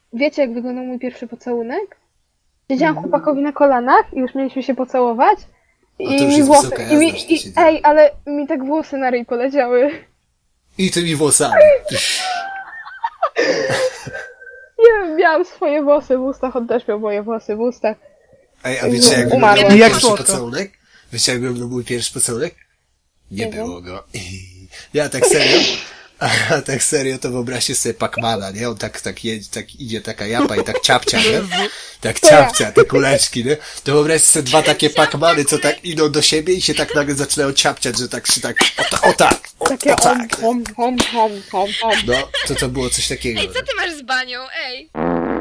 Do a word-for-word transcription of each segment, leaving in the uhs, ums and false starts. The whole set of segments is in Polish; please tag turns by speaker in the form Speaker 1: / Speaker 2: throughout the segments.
Speaker 1: wiecie jak wyglądał mój pierwszy pocałunek? Siedziałam chłopakowi na kolanach i już mieliśmy się pocałować.
Speaker 2: to
Speaker 1: I
Speaker 2: już
Speaker 1: mi
Speaker 2: jest
Speaker 1: włosy,
Speaker 2: wysoka
Speaker 1: i mi,
Speaker 2: jazda, że to
Speaker 1: i,
Speaker 2: się dzieje.
Speaker 1: ej, ale mi tak włosy na ryj poleciały.
Speaker 2: I tymi włosami.
Speaker 1: Nie, miałam swoje włosy w ustach, on też miał moje włosy w ustach.
Speaker 2: Ej, a wiecie jak
Speaker 1: Umarła.
Speaker 2: wyglądał mój
Speaker 3: Jak
Speaker 2: pierwszy
Speaker 3: słodko.
Speaker 2: pocałunek? Wiecie jak wyglądał mój pierwszy pocałunek? Nie
Speaker 1: Nie wiem.
Speaker 2: było go. Ja tak serio, a tak serio to wyobraźcie sobie Pacmana, nie? On tak, tak, jedzie, tak idzie taka japa i tak ciapcia, nie? Tak ciapcia, te kuleczki, nie? To wyobraźcie sobie dwa takie Pacmany, co tak idą do siebie i się tak nagle zaczynają ciapciać, że tak się tak, o, ta, o tak, o,
Speaker 1: Takie
Speaker 2: o tak.
Speaker 1: om, om, om, om, om.
Speaker 2: No, to to było coś takiego.
Speaker 4: Ej, co ty masz z banią? Ej!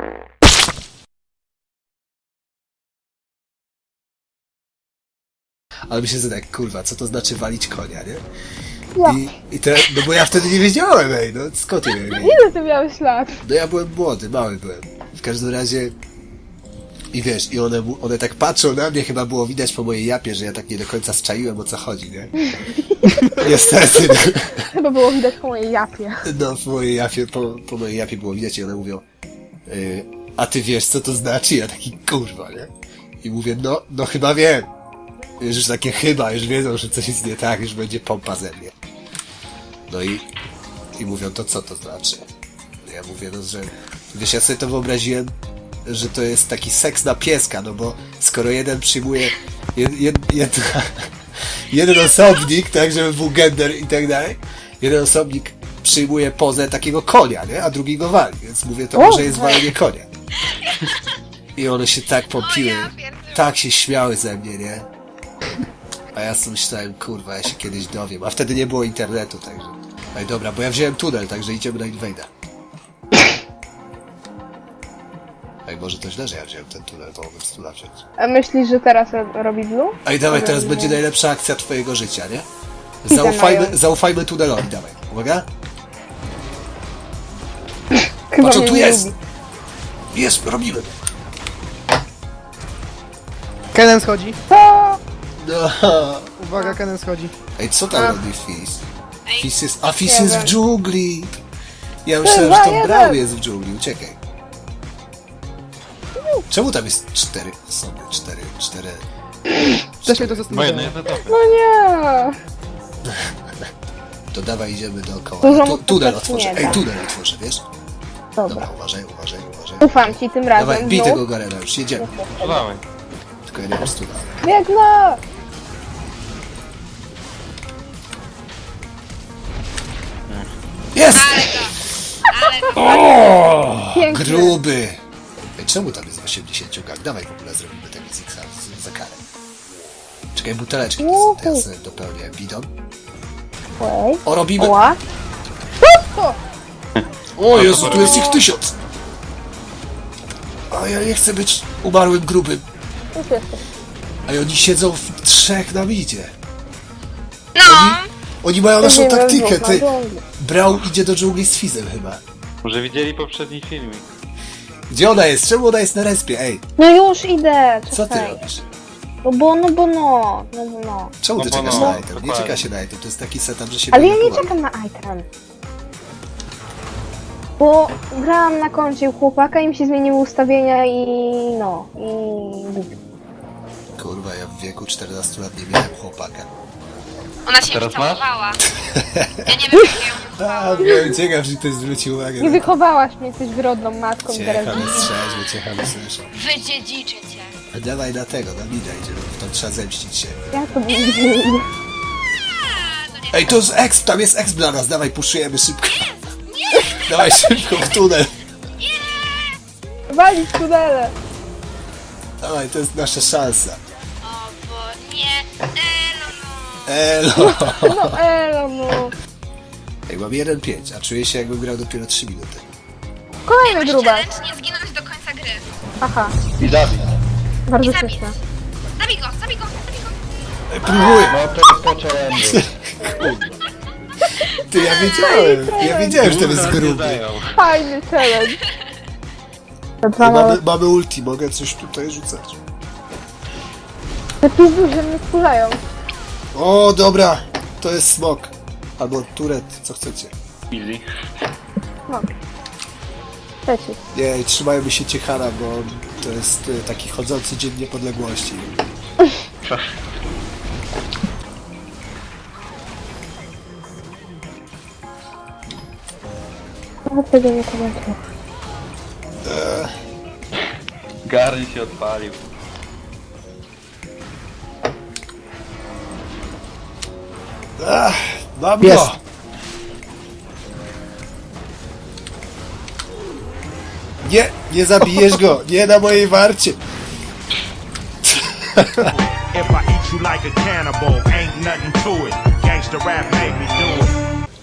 Speaker 2: Ale myślę, że tak, kurwa, co to znaczy walić konia, nie?
Speaker 1: Ja.
Speaker 2: I, i te, no bo ja wtedy nie wiedziałem, ej, no skąd ja miałem wiedzieć?
Speaker 1: Ile ty miałeś lat?
Speaker 2: No ja byłem młody, mały byłem. W każdym razie... I wiesz, i one, mu- one tak patrzą na mnie, chyba było widać po mojej japie, że ja tak nie do końca zczaiłem, o co chodzi, nie? Niestety,
Speaker 1: Chyba było widać po mojej japie.
Speaker 2: no po mojej japie, po, po mojej japie było widać i one mówią y, a ty wiesz, co to znaczy? Ja taki, kurwa, nie? I mówię, no, no chyba wiem. Już, już takie chyba, już wiedzą, że coś jest nie tak, już będzie pompa ze mnie. No i, i mówią, to co to znaczy? Ja mówię, no, że wiesz, ja sobie to wyobraziłem, że to jest taki seks na pieska, no bo skoro jeden przyjmuje jed, jed, jedna, jeden osobnik, tak, żeby był gender i tak dalej, jeden osobnik przyjmuje pozę takiego konia, nie? A drugi go wali, więc mówię, to
Speaker 1: O,
Speaker 2: może jest
Speaker 1: tak.
Speaker 2: walenie konia. I one się tak popiły,
Speaker 4: O ja pierdolę.
Speaker 2: tak się śmiały ze mnie, nie? A ja sobie myślałem, kurwa, ja się kiedyś dowiem, a wtedy nie było internetu, także... Ej, dobra, bo ja wziąłem tunel, także idziemy na Invader. Ej, może to źle, że ja wziąłem ten tunel, to mogłem z tula wziąć.
Speaker 1: A myślisz, że teraz ro- robi blue?
Speaker 2: Ej, dawaj, teraz
Speaker 1: Nie.
Speaker 2: będzie najlepsza akcja twojego życia, nie?
Speaker 1: Idę
Speaker 2: Zaufajmy,
Speaker 1: mają.
Speaker 2: zaufajmy tunelowi, dawaj. Uwaga.
Speaker 1: Chyba
Speaker 2: Patrz, on
Speaker 1: mnie
Speaker 2: tu
Speaker 1: nie
Speaker 2: jest!
Speaker 1: lubi.
Speaker 2: Jest, robimy.
Speaker 3: Kenen schodzi.
Speaker 1: To...
Speaker 2: No.
Speaker 3: Uwaga, Kenen schodzi.
Speaker 2: Ej, co tam
Speaker 1: A.
Speaker 2: robi Fizz?
Speaker 4: Ej.
Speaker 2: Fizz jest... A Fizz
Speaker 1: Nie
Speaker 2: jest w
Speaker 1: wiem.
Speaker 2: dżungli! Ja myślałem, że to Brał jest w dżungli, uciekaj. Czemu tam jest cztery osoby? Cztery, cztery...
Speaker 3: Też mnie to
Speaker 5: Bo
Speaker 3: zastanawiało.
Speaker 5: jedno jest na topie.
Speaker 1: No nie.
Speaker 2: To dawaj, idziemy dookoła.
Speaker 1: Dużo
Speaker 2: Ja tu,
Speaker 1: mu
Speaker 2: tunel
Speaker 1: to
Speaker 2: otworzę.
Speaker 1: nie
Speaker 2: Ej,
Speaker 1: da.
Speaker 2: tunel otworzę, wiesz?
Speaker 1: Dobra.
Speaker 2: Dobra, uważaj, uważaj, uważaj.
Speaker 1: Ufam ci tym razem.
Speaker 2: Dawaj, bij
Speaker 1: znów.
Speaker 2: tego Garena już, jedziemy.
Speaker 5: Dawaj.
Speaker 2: Tylko ja nie mam stuna.
Speaker 1: Biegnę!
Speaker 2: Jest!
Speaker 4: Ale to...
Speaker 2: O!
Speaker 1: Pięknie.
Speaker 2: Gruby! Ej, czemu tam jest osiemdziesiąt gang? Dawaj w ogóle zrobimy ten Zigza z- za karę. Czekaj, buteleczki to są, to ja sobie dopełnię bidon.
Speaker 1: Oj.
Speaker 2: O, robimy!
Speaker 1: Ła. O!
Speaker 2: O Jezu, tu jest ich tysiąc! A ja nie chcę być umarłym grubym.
Speaker 1: Już jesteś.
Speaker 2: A oni siedzą w trzech na midzie.
Speaker 4: No!
Speaker 2: Oni mają naszą
Speaker 1: Nie wiem,
Speaker 2: taktykę,
Speaker 1: znów na
Speaker 2: ty.
Speaker 1: dżungli.
Speaker 2: Brał idzie do dżungli z Fizem chyba.
Speaker 5: Może widzieli poprzedni filmik.
Speaker 2: Gdzie ona jest? Czemu ona jest na respie? Ej,
Speaker 1: No już idę.
Speaker 2: co ty
Speaker 1: czekaj.
Speaker 2: robisz?
Speaker 1: No bo, no bo no. No bo no.
Speaker 2: Czemu ty
Speaker 5: No bo
Speaker 2: czekasz
Speaker 5: no,
Speaker 2: na item? Nie
Speaker 5: dokładnie.
Speaker 2: czeka się na item, to jest taki setup, że się
Speaker 1: Ale ja nie
Speaker 2: manipuluje.
Speaker 1: czekam na item. Bo grałam na koncie u chłopaka i mi się zmieniły ustawienia i no. I głupio.
Speaker 2: Kurwa, ja w wieku czternastu lat nie miałem chłopaka.
Speaker 4: Ona się
Speaker 5: teraz
Speaker 4: wcałowała. Ja nie wiem, jak ją
Speaker 2: A,
Speaker 4: wychowałam.
Speaker 2: byłem ciekaw, że ktoś zwrócił uwagę.
Speaker 1: Nie
Speaker 2: na to.
Speaker 1: wychowałaś mnie, jesteś wyrodną matką i teraz
Speaker 2: Ciechamy strzeżmy, ciechamy słyszę.
Speaker 4: Wydziedziczę cię.
Speaker 2: Dawaj na tego, na mida idziemy, to trzeba zemścić się.
Speaker 1: ja to nigdy
Speaker 4: A, no nie.
Speaker 2: Ej, to jest exp, tam jest exp dla nas, dawaj, puszujemy szybko. Dawaj szybko w tunel.
Speaker 1: walić tunele.
Speaker 2: Dawaj, to jest nasza szansa.
Speaker 4: O, bo nie. E, no, no.
Speaker 2: Elo.
Speaker 1: No elo no.
Speaker 2: Ej, mam jeden pięć, a czuję się jakbym grał dopiero trzy minuty.
Speaker 1: Kolejny grubas.
Speaker 4: Challenge nie zginąć do końca gry.
Speaker 1: Aha,
Speaker 5: I Dawid.
Speaker 1: bardzo
Speaker 4: I zabić.
Speaker 1: śmieszne.
Speaker 4: Zabij go, zabij go, zabij go.
Speaker 2: Ej, próbuję.
Speaker 5: No to jest po challenge'u.
Speaker 2: Ty, ja wiedziałem, ja wiedziałem, że to jest
Speaker 5: Nie
Speaker 2: gruby.
Speaker 5: dają.
Speaker 1: Fajny challenge. Te
Speaker 2: No,
Speaker 1: dwa małe...
Speaker 2: mamy, mamy ulti, mogę coś tutaj rzucać.
Speaker 1: Te pizdusze mnie wkurzają.
Speaker 2: O, dobra, to jest smok. Albo turet, co chcecie.
Speaker 5: Easy.
Speaker 1: No. Trzeci.
Speaker 2: Nie, trzymajmy się Ciechana, bo to jest y, taki chodzący dzień niepodległości.
Speaker 1: No, tego nie komentuję.
Speaker 5: Garni się odpalił.
Speaker 2: Ach, mam
Speaker 3: Jest.
Speaker 2: go! Nie, nie zabijesz go! Nie na mojej warcie!
Speaker 6: If I eat you like a cannibal, ain't nothing to it. Gangsta rap make me do it.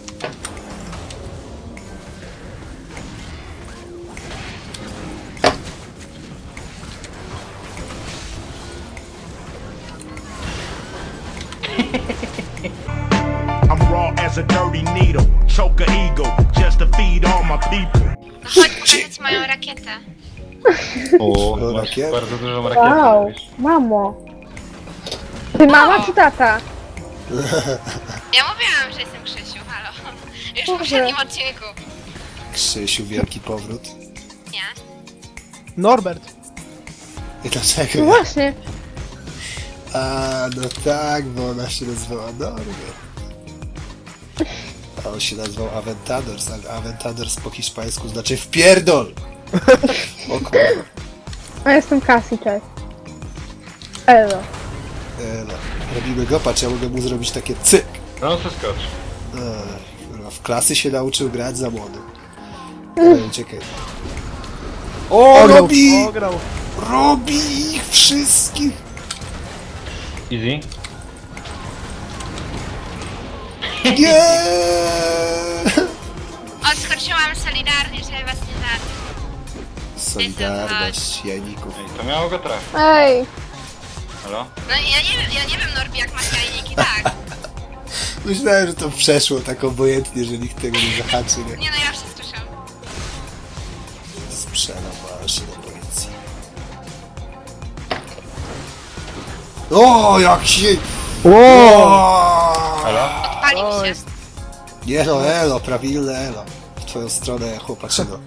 Speaker 6: I'm raw as a dirty needle, choke a eagle, just to feed all my people.
Speaker 4: No chodź pokazać moją rakietę.
Speaker 5: O,
Speaker 2: No,
Speaker 5: masz
Speaker 2: rakiet?
Speaker 5: bardzo dużą rakietę.
Speaker 1: Wow,
Speaker 5: wiesz.
Speaker 1: mamo. Ty mama czy tata?
Speaker 4: Ja mówiłam, że jestem Krzysiu, halo. Już w
Speaker 1: Dobrze.
Speaker 4: poprzednim odcinku.
Speaker 2: Krzysiu, wielki powrót.
Speaker 4: Nie?
Speaker 3: Norbert.
Speaker 2: I dlaczego?
Speaker 1: No właśnie.
Speaker 2: A, no tak, bo ona się nazywała Norbert. A on się nazywał Aventadors, ale Aventadors po hiszpańsku znaczy wpierdol! O kurwa.
Speaker 1: A jestem Cassie, cześć. Elo.
Speaker 2: E, no. Robimy go, patrz, ja mogę mu zrobić takie cyk.
Speaker 5: No to skocz.
Speaker 2: Ech, kurwa, w klasy się nauczył grać za młody. E, czekaj. O,
Speaker 3: Ograł,
Speaker 2: robi!
Speaker 3: ograł.
Speaker 2: Robi ich wszystkich!
Speaker 5: Easy.
Speaker 2: Nie!
Speaker 4: Odskoczyłam solidarnie, żeby was nie zabił.
Speaker 2: Solidarność jajników.
Speaker 5: Ej, to miało go trafić.
Speaker 1: Ej,
Speaker 5: Halo?
Speaker 4: No ja nie wiem, ja nie wiem Norbi jak masz jajniki, tak.
Speaker 2: Myślałem, że to przeszło tak obojętnie, że nikt tego nie zahaczy, nie?
Speaker 4: Nie no, ja wszystko słyszałam.
Speaker 2: Sprzedam się do policji. O, jak się... O!
Speaker 5: Halo?
Speaker 4: Palił
Speaker 3: O,
Speaker 4: się.
Speaker 3: jest.
Speaker 2: Nie no, elo, prawilne elo. W twoją stronę, chłopaczyno.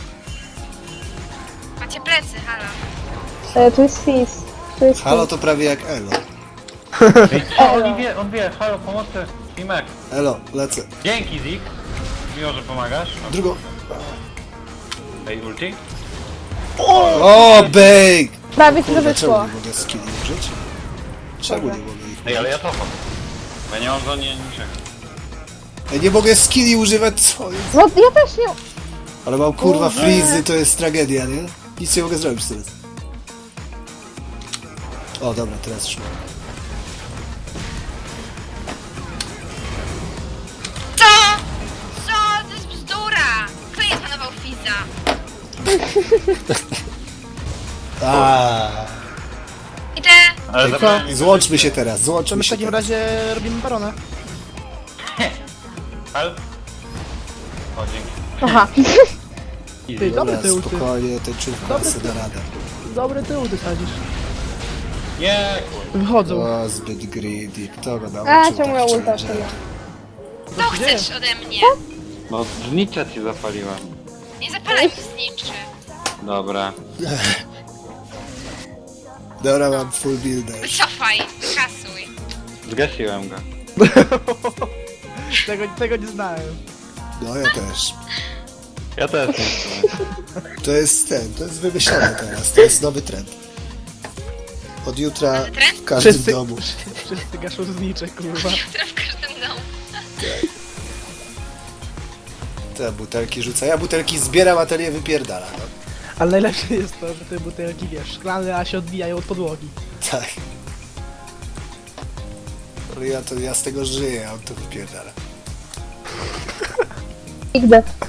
Speaker 4: Macie plecy, halo.
Speaker 1: e, tu jest Fizz. Tu jest
Speaker 2: Halo
Speaker 1: Fizz.
Speaker 2: to prawie jak elo.
Speaker 5: Ej, o, on wie, on wie. Halo, pomocy. Timek.
Speaker 2: Elo, lecę.
Speaker 5: Dzięki, Zik. Miło, że pomagasz.
Speaker 2: Drugą.
Speaker 5: Ej, ulti?
Speaker 2: O, bejk!
Speaker 1: Prawie ci to
Speaker 2: Kurde, czemu
Speaker 1: wyszło.
Speaker 2: nie mogę skilli użyć? Czemu nie mogę ich
Speaker 5: Ej, ale
Speaker 2: użyć?
Speaker 5: ja cofam. Bo ja nie mam za nie niczego.
Speaker 2: Ja nie mogę skilli używać, co jest?
Speaker 1: No ja też nie...
Speaker 2: Ale mam kurwa freezy, to jest tragedia, nie? Nic nie mogę zrobić teraz. O, dobra, teraz już mam.
Speaker 4: Co? Co? To jest bzdura! Kto nie panował Fiza?
Speaker 2: Aaaa.
Speaker 4: Idę.
Speaker 5: Ale
Speaker 2: Co?
Speaker 5: zabrałem mi-
Speaker 2: Złączmy się teraz,
Speaker 3: To
Speaker 2: złączmy
Speaker 3: my w
Speaker 2: się
Speaker 3: takim
Speaker 2: teraz.
Speaker 3: razie robimy barona.
Speaker 5: Hal? O, dzięki.
Speaker 1: Aha.
Speaker 3: Ty,
Speaker 5: Easy.
Speaker 3: dobry
Speaker 2: Dobra,
Speaker 3: tył, ty.
Speaker 2: spokojnie, ten czubka
Speaker 3: Dobry
Speaker 2: sobie da radę.
Speaker 3: Dobry tył ty sadzisz.
Speaker 5: Nie, kurwa.
Speaker 3: Wychodzą.
Speaker 2: O, zbyt greedy, kto go
Speaker 1: A,
Speaker 2: nauczył
Speaker 1: czemu ja
Speaker 2: tak
Speaker 1: ulta
Speaker 2: szczerze?
Speaker 1: tyle?
Speaker 4: Co chcesz ode mnie?
Speaker 5: No, znicza ci zapaliłem.
Speaker 4: Nie zapalaj mi zniczy.
Speaker 5: Dobra.
Speaker 2: Dobra, mam full builder.
Speaker 4: Wycofaj, kasuj.
Speaker 5: Zgasiłem go.
Speaker 3: Tego, tego nie znałem.
Speaker 2: No, ja też.
Speaker 5: Ja też nie chcę.
Speaker 2: To jest ten, to jest wymyślone teraz, to jest nowy trend. Od jutra
Speaker 4: Nowy trend?
Speaker 2: w każdym
Speaker 3: Wszyscy,
Speaker 2: domu.
Speaker 3: wszyscy gaszą znicze, kurwa.
Speaker 4: Które w każdym domu.
Speaker 2: Te butelki rzuca. Ja butelki zbieram, a ten je wypierdala, no.
Speaker 3: Ale najlepsze jest to, że te butelki, wiesz, szklane, a się odbijają od podłogi.
Speaker 2: Tak. Ale ja to, ja z tego żyję, a on to wypierdala.
Speaker 1: Nigdy.